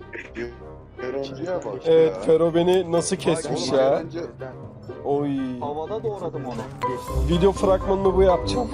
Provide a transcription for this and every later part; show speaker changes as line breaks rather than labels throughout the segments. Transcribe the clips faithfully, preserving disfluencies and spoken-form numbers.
Öğrenciye bak
Evet,
ya.
Fero beni nasıl kesmiş
Oğlum,
ya.
öğrenci-
Oy.
Havada doğradım onu.
Video fragmanını bu yapacağım.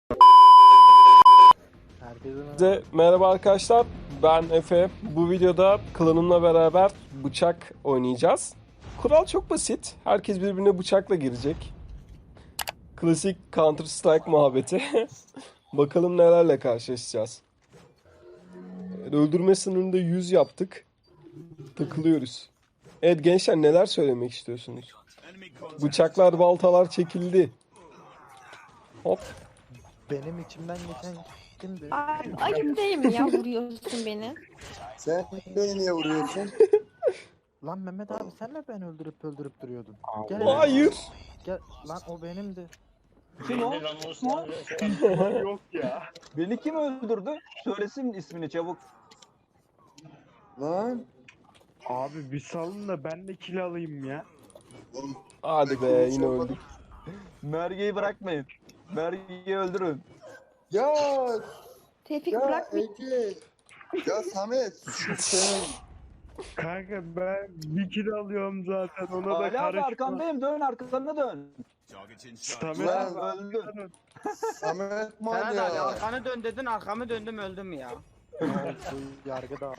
Herkese merhaba.
Size merhaba arkadaşlar. Ben Efe. Bu videoda klanımla beraber bıçak oynayacağız. Kural çok basit. Herkes birbirine bıçakla girecek. Klasik Counter Strike muhabbeti. Bakalım nelerle karşılaşacağız. Öldürme sınırında yüz yaptık. Takılıyoruz. Evet gençler, neler söylemek istiyorsunuz? Bıçaklar, baltalar çekildi. Hop.
Benim içimden geçen kimdi?
Ay, ayıp değil mi ya vuruyorsun beni?
Sen beni niye vuruyorsun?
Lan Mehmet abi sen mi beni öldürüp öldürüp duruyordun? Gel,
Hayır.
gel lan o benimdi.
Kim o?
Yok ya.
Beni kim öldürdü? Söylesin ismini çabuk.
Lan.
Abi bir salın da ben de kill alayım ya.
Hadi be, yine öldük.
Merge'yi bırakmayın. Merge'yi öldürün.
Ya
Tevfik
ya
bırak beni.
Ege. Ya Samet şu senin.
Kanka ben bir kill alıyorum zaten ona da
Ali abi
karışma.
arkandayım, dön arkanı dön.
Samet
Lan.
abi
Öldün.
Samet
Serhat abi
manyak.
arkanı dön dedin arkamı döndüm öldüm ya.
Bu yargıda.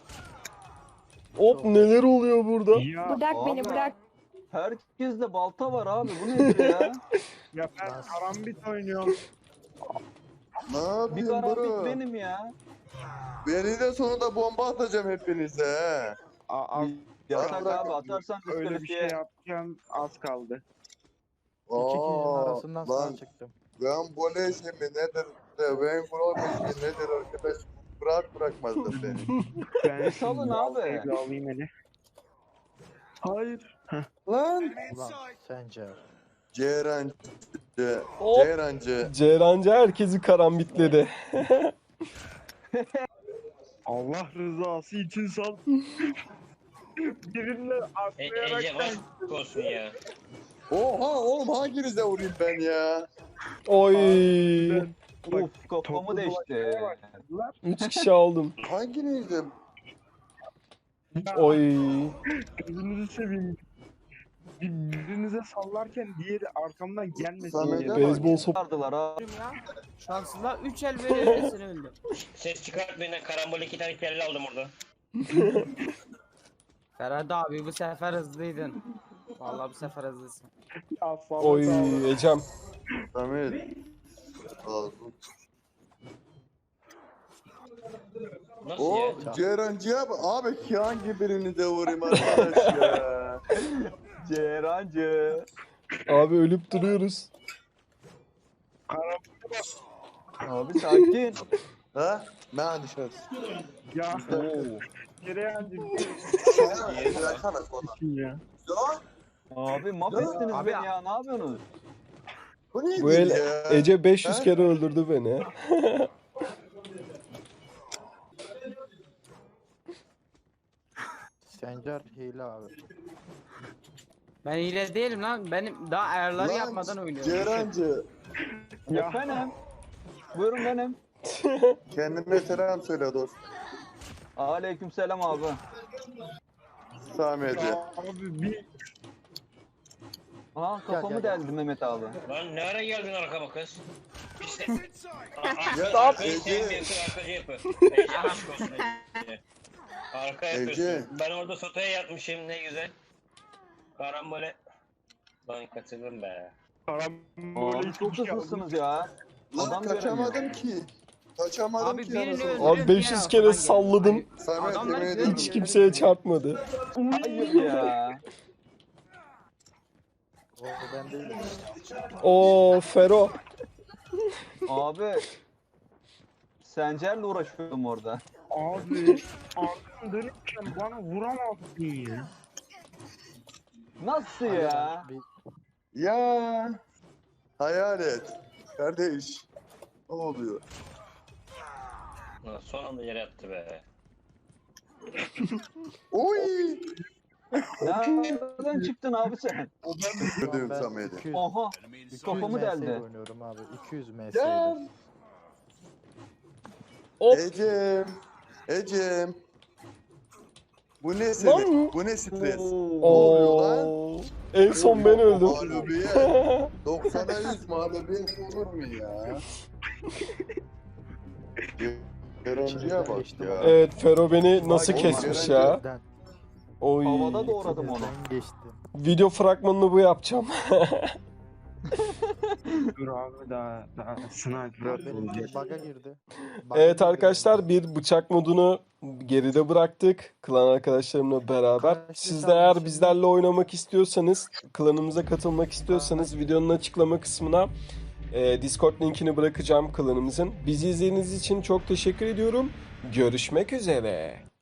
Hop, neler oluyor burada?
ya,
Bırak
Abi.
beni bırak.
Herkeste balta var abi, bu nedir ya?
ya ben karambit oynuyorum.
Ne
Bir
yapayım
karambit
bro?
benim ya.
Beni de sonunda bomba atacağım hepinize he.
A- az,
Yasak
bırak.
abi, atarsan
öyle bir şey
diskalifiye.
yapacağım az kaldı.
İki kişinin
Aa,
arasından sağ
lan
çıktım.
ben böyle şey mi nedir? de, Ben böyle şey nedir arkadaş? Bırak bırakmazdım beni.
Ben
salın
şimdi
abi.
baltayı bir alayım hele. Hayır.
Lan.
Ulan sence.
Ceyrancı.
Hop.
Ceyrancı.
Ceyrancı herkesi karambitledi.
Allah rızası için sal. Birinle
E,
atlayarak
Ece aşk olsun ya.
Oha oğlum hanginize vurayım ben ya?
Oy.
Uf, kafamı
Toplu
değişti.
dolaşmaya başladılar.
Üç kişi aldım.
Hanginize?
Oy.
Gözünüzü seveyim. Bir- Birinize sallarken diğeri arkamdan gelmesin
Samet
diye.
bak.
Beyzbol sop.
Sardılar ha.
Ya. Şanssızlar üç el veriyor hepsini öldüm.
Ses çıkartmayın, karambol iki tane kelle aldım orada.
Ferhat abi bu sefer hızlıydın. Vallahi bu sefer hızlısın.
Ya Samet
Oy
abi.
Ecem.
Samet. Al.
Nasıl
O
ya?
Ceyrancı'ya bak. Abi ki hangi birinize vurayım arkadaş ya?
Ceyrancı.
Abi ölüp duruyoruz.
Abi sakin.
Ha? Ben dışarısı.
Ya
Oo.
Cereyancı
Bıraksana konu.
ya.
Abi mahvettiniz
Abi-
beni ya, ne yapıyorsunuz?
Bu neydi
Bu el
ya?
Ece beş yüz
Ha?
kere öldürdü beni.
Sencer hile abi.
Ben hile değilim lan. Benim daha ayarları
Lan,
yapmadan oynuyorum.
Ceyrancı.
Ya.
Benim. Buyurun benim.
Kendine selam söyle dost.
Aleykümselam abi.
Samet'e.
Abi bir
Ha kafamı
Gel, gel,
deldi Mehmet abi.
Lan ne ara geldin arkama kız? İşte.
Ya,
Arkayı
Ece.
sevmiyorsun, arkacı yapı. Ece aşk olsun Ece. Arka yapıyorsun.
Ece.
Ben orada sotaya yatmışım, ne güzel. Karambole. Lan kaçırdım be.
karambol
Abi çok hızlısınız ya.
Lan
Adam
kaçamadım ki. Kaçamadım
Abi
ki
birini
anasını.
öldürüyor,
Abi beş yüz
diğer
kere
arkadan geliyor.
salladım.
Samet
Adamlar
yemin
hiç
ederim.
Hiç kimseye çarpmadı.
Hayır ya.
O ben değilim.
Oo Fero.
Abi. Sencer'le uğraşıyordum orada.
Abi arkam dönükken bana vuramazsın ya.
Nasıl ya?
Bir,
Ya. Hayal et. Kardeş. Ne oluyor?
Lan son anda yere yattı be.
Oy.
Nereden çıktın abi sen?
Gördüm
ben
Samet'i.
iki yüz,
Oha.
iki yüz
Kafamı
M S
deldi.
oynuyorum abi. iki yüz M
Ya.
S'ydi.
Hop.
Ecem. Ecem. Bu ne sinir?
Lan.
Bu ne stres? Ne oluyor lan?
Oo. En son ben öldüm.
Mağlubiyet. doksana yüz mağlubiyet olur mu ya? Yorumcuya bak ya.
Evet, Fero beni nasıl
Bak,
kesmiş
oğlum,
ya.
Gözden,
Oy.
Havada doğradım onu.
gözden geçti.
Video fragmanını bu yapacağım.
Dur abi daha daha sniper
Benim
atılacak.
bug'a girdi. Bug'a
Evet
girdi
arkadaşlar, bir bıçak modunu geride bıraktık klan arkadaşlarımla beraber.
Kaç
Siz de
hesabı
eğer
şimdi?
bizlerle oynamak istiyorsanız, klanımıza katılmak istiyorsanız videonun açıklama kısmına e, Discord linkini bırakacağım klanımızın. Bizi izlediğiniz için çok teşekkür ediyorum. Görüşmek üzere.